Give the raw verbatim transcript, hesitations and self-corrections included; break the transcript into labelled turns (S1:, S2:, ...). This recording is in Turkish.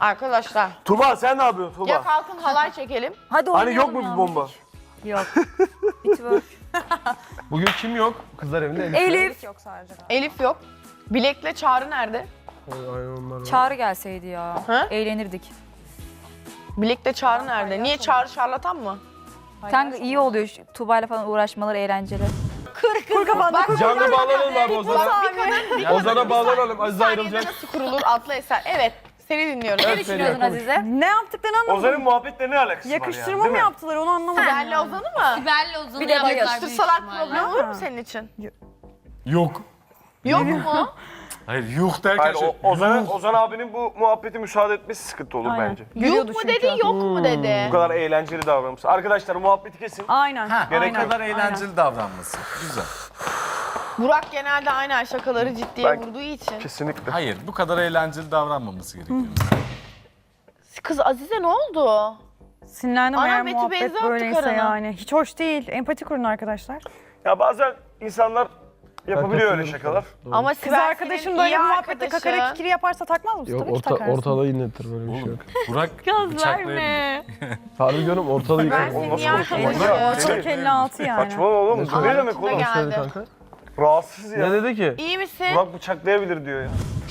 S1: Arkadaşlar.
S2: Tuba sen ne yapıyorsun Tuba?
S1: Ya kalkın halay çekelim.
S3: Hadi
S2: Hani yok
S3: oynayalım
S2: mu
S3: ya.
S2: bir bomba?
S3: Yok. Bitiyor.
S4: Bugün kim yok? Kızlar evinde Elif.
S3: Elif.
S5: Yok sadece.
S1: Elif yok. Bilek'le Çağrı nerede?
S4: Aynen onlar var.
S3: Çağrı gelseydi ya.
S1: Ha?
S3: Eğlenirdik.
S1: Bilek'le Çağrı nerede? Niye Çağrı şarlatan mı?
S3: Kanka iyi oluyor. şu Tuğba'yla falan uğraşmaları eğlenceli.
S5: Kır kır kafanı.
S4: Canlı bağlanalım abi Ozan'a. Ozan'a bağlanalım. Aziz
S1: Saniyede
S4: ayrılacak.
S1: nasıl kurulur adlı eser? Evet. Seni dinliyorum.
S3: Ne düşünüyorsun Azize?
S5: Ne yaptıklarını anlamadım.
S2: Ozan'ın muhabbetle ne alakası var
S5: Yakıştırma
S2: yani, değil
S5: mı
S2: mi?
S5: yaptılar onu anlamadım.
S1: Sibel'le Ozan'ı mı?
S6: Sibel'le Ozan'ı
S3: Bir de
S6: yaptılar
S3: bayılır.
S6: büyük
S1: Yakıştırsalar
S6: ihtimalle.
S1: problem olur mu
S5: Ha.
S1: senin için?
S4: Yok.
S1: Yok mu?
S4: Hayır yok derken
S2: Hayır,
S4: şey.
S2: o, Ozan, Ozan abinin bu muhabbeti müsaade etmesi sıkıntı olur
S5: Aynen.
S2: bence.
S1: Yok
S5: Gülüyordu
S1: mu
S5: çünkü.
S1: dedi, yok mu dedi?
S2: Bu kadar eğlenceli davranmış. Arkadaşlar muhabbeti kesin.
S5: Aynen.
S2: Gerek
S5: aynen.
S2: yok.
S7: kadar eğlenceli davranması. Güzel.
S1: Burak genelde aynen şakaları ciddiye
S2: Ben-
S1: vurduğu için.
S2: Kesinlikle.
S7: Hayır, bu kadar eğlenceli davranmaması gerekiyor.
S1: Kız Azize ne oldu?
S5: Sinirlendim
S1: Ana
S5: eğer
S1: Beti
S5: muhabbet
S1: benzi attı
S5: böyleyse
S1: karına.
S5: yani. Hiç hoş değil. Empati kurun arkadaşlar.
S2: Ya bazen insanlar yapabiliyor öyle
S4: katılıyorum.
S2: şakalar.
S1: Ama
S5: Kız
S1: Sibel
S5: arkadaşım
S1: senin
S5: böyle
S1: iyi
S5: bir muhabbette
S1: arkadaşın.
S5: kakara kikiri yaparsa takmaz mısın?
S4: Yok
S5: Tabii ki
S4: orta,
S5: takarsın.
S4: ortalığı inletir böyle bir şey
S7: Oğlum,
S4: yok.
S7: Burak bıçaklayabilir.
S4: Harbi diyorum ortalığı
S1: Ben
S4: yıkar.
S1: senin
S2: Nasıl
S1: iyi
S2: konuşuyorsun?
S1: arkadaşın.
S2: Ya,
S5: Ortalık elli altı yani.
S2: Saçma oğlum.
S4: Ne
S2: Bu ne demek
S1: Ağzına
S2: oğlum?
S1: geldi.
S4: Söyle kanka.
S2: Rahatsız ya.
S4: Ne dedi ki?
S1: İyi misin?
S2: Burak bıçaklayabilir diyor ya.